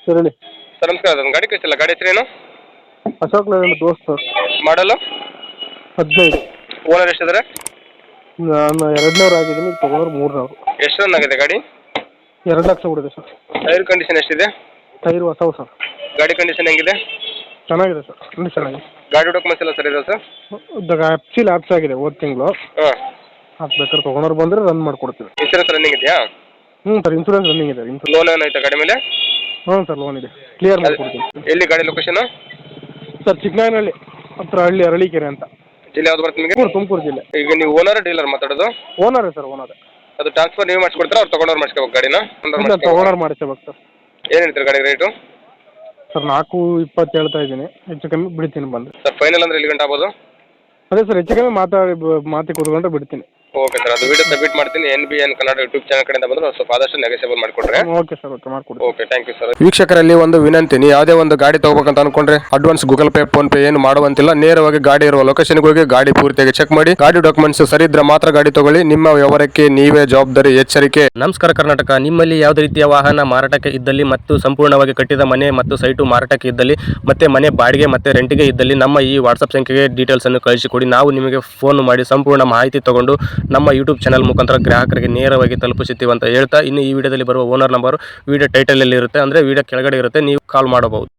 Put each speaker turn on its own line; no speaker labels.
Sir ಹೇಳಿ.
Sir ನಮಸ್ಕಾರ, ಅದೊಂದು ಗಾಡಿ ಕಳಿಸಿಲ್ಲ, ಗಾಡಿ ಹೆಸರೇನು?
ಅಶೋಕ್ ಲೇಲ್ಯಾಂಡ್ ದೋಸ್ತ್ ಸರ್.
ಮಾಡಲು
15.
ಓನರ್ ಎಷ್ಟಿದ್ದಾರೆ?
ನಾನು 200 ಆಗಿದ್ದೀನಿ, ಈಗ ತೊಗೊಂಡ್ರೆ 300.
ಎಷ್ಟು ರನ್ ಆಗಿದೆ ಗಾಡಿ?
2 ಲಕ್ಷ ಬಿಡಿದೆ ಸರ್.
ಟೈರ್ ಕಂಡೀಷನ್ ಎಷ್ಟಿದೆ?
ಟೈರ್ ಹೊಸವು ಸರ್.
ಗಾಡಿ ಕಂಡೀಷನ್ ಹೆಂಗಿದೆ?
ಚೆನ್ನಾಗಿದೆ ಸರ್, ಕಂಡೀಷನ್ ಆಗಿದೆ.
ಗಾಡಿ ಡಾಕ್ಯುಮೆಂಟ್ಸ್ ಎಲ್ಲ ಸರಿ ಇದೆ ಸರ್?
ಆ್ಯಕ್ಚುಲಿ ಆಪ್ಸ್ ಆಗಿದೆ ಹೋದ ತಿಂಗಳು.
ಹಾಂ.
ಅದು ಬೇಕಾದ್ರೆ ತೊಗೊಂಡ್ರೆ ಬಂದರೆ ರನ್ ಮಾಡಿಕೊಡ್ತೀವಿ.
ಇನ್ಸೂರೆನ್ಸ್ ರನ್ನಿಂಗ್ ಇದೆಯಾ?
ಸರ್ ಇನ್ಸೂರೆನ್ಸ್ ರನ್ನಿಂಗ್ ಇದೆ.
ಲೋನ್ ಏನಾಯ್ತಾ ಗಾಡಿ ಮೇಲೆ?
ಸರ್ ಲೋನ್ ಇದೆ, ಕ್ಲಿಯರ್ ಮಾಡಿಕೊಡ್ತೀನಿ.
ಎಲ್ಲಿ ಗಾಡಿ ಲೊಕೇಶನ್?
ಸರ್ ಚಿಕ್ಕನಾಯನಹಳ್ಳಿ ಹತ್ರ, ಅರಳೀಕೆರೆ ಅಂತ.
ಜಿಲ್ಲೆ ಯಾವ್ದು ಬರುತ್ತೆ ನಿಮಗೆ?
ತುಮಕೂರು ಜಿಲ್ಲೆ.
ಈಗ ನೀವು ಓನರ್ ಡೀಲರ್ ಮಾತಾಡೋದು?
ಓನರೇ ಸರ್, ಓನರೇ.
ಅದು ಟ್ರಾನ್ಸ್ಫರ್ ನೀವು ಮಾಡಿಸ್ಕೊಡ್ತೀರಾ, ಅವ್ರು ತೊಗೊಂಡವ್ರು ಮಾಡಿಸ್ಕೋಬೇಕು ಗಾಡಿನ?
ತೊಗೊಂಡ್ರೆ ಮಾಡಿಸ್ಕೋಬೇಕು ಸರ್.
ಏನು ಹೇಳ್ತೀರಿ ಗಾಡಿ ರೇಟು?
ಸರ್ 420 ಹೇಳ್ತಾ ಇದ್ದೀನಿ, ಹೆಚ್ಚು ಕಮ್ಮಿ ಬಿಡ್ತೀನಿ ಬಂದು.
ಸರ್ ಫೈನಲ್ ಅಂದರೆ ಎಲ್ಲಿ ಗಂಟೆ ಆಗ್ಬೋದು?
ಅದೇ ಸರ್, ಹೆಚ್ಚು ಕಮ್ಮಿ ಮಾತಿ ಕೂತ್ಕೊಂಡ್ರೆ ಬಿಡ್ತೀನಿ.
ಓಕೆ ಸರ್, ಅದು ವಿಡಿಯೋ ಸಬ್ಮಿಟ್ ಮಾಡ್ತೀನಿ. NBN ಕನ್ನಡ ಯೂಟ್ಯೂಬ್ ಚಾನಲ್ ಕಡೆಯಿಂದ ಬಂದರೆ ಸ್ವಲ್ಪ ಆದಷ್ಟು ನೆಗೆಸೇಬಲ್ ಮಾಡಿಕೊಡ್ರೆ.
ಓಕೆ ಸರ್, ಓಕೆ ಮಾಡಿಕೊಡ್ತೀನಿ.
Okay, thank you sir.
ವೀಕ್ಷಕರಲ್ಲಿ ಒಂದು ವಿನಂತಿ, ನೀವು ಯಾವುದೇ ಒಂದು ಗಾಡಿ ತಗೋಬೇಕಂತ ಅನ್ಕೊಂಡ್ರೆ advance Google Pay, PhonePe ಏನು ಮಾಡುವಂತಿಲ್ಲ. ನೇರವಾಗಿ ಗಾಡಿ ಇರುವ ಲೊಕೇಶನ್ಗೆ ಹೋಗಿ ಗಾಡಿ ಪೂರ್ತಿಯಾಗಿ ಚೆಕ್ ಮಾಡಿ, ಗಾಡಿ ಡಾಕ್ಯುಮೆಂಟ್ಸ್ ಸರಿ ಇದ್ರೆ ಮಾತ್ರ ಗಾಡಿ ತಗೊಳ್ಳಿ. ನಿಮ್ಮ ವ್ಯವಹಾರಕ್ಕೆ ನೀವೇ ಜವಾಬ್ದಾರಿ, ಎಚ್ಚರಿಕೆ.
ನಮಸ್ಕಾರ ಕರ್ನಾಟಕ. ನಿಮ್ಮಲ್ಲಿ ಯಾವುದೇ ರೀತಿಯ ವಾಹನ ಮಾರಾಟಕ್ಕೆ ಇದ್ದಲ್ಲಿ ಮತ್ತು ಸಂಪೂರ್ಣವಾಗಿ ಕಟ್ಟಿದ ಮನೆ ಮತ್ತು ಸೈಟು ಮಾರಾಟಕ್ಕೆ ಇದ್ದಲ್ಲಿ ಮತ್ತೆ ಮನೆ ಬಾಡಿಗೆ ಮತ್ತು ರೆಂಟಿಗೆ ಇದ್ದಲ್ಲಿ ನಮ್ಮ ಈ ವಾಟ್ಸಪ್ ಸಂಖ್ಯೆಗೆ ಡೀಟೇಲ್ಸ್ ಅನ್ನು ಕಳಿಸಿಕೊಡಿ. ನಾವು ನಿಮಗೆ ಫೋನ್ ಮಾಡಿ ಸಂಪೂರ್ಣ ಮಾಹಿತಿ ತಗೊಂಡು ನಮ್ಮ ಯೂಟ್ಯೂಬ್ ಚಾನಲ್ ಮುಖಾಂತರ ಗ್ರಾಹಕರಿಗೆ ನೇರವಾಗಿ ತಲುಪಿಸುತ್ತೀವಿ ಅಂತ ಹೇಳ್ತಾ, ಇನ್ನು ಈ ವಿಡಿಯೋದಲ್ಲಿ ಬರುವ ಓನರ್ ನಂಬರ್ ವಿಡಿಯೋ ಟೈಟಲಲ್ಲಿ ಇರುತ್ತೆ, ಅಂದರೆ ವಿಡಿಯೋ ಕೆಳಗಡೆ ಇರುತ್ತೆ, ನೀವು ಕಾಲ್ ಮಾಡಬಹುದು.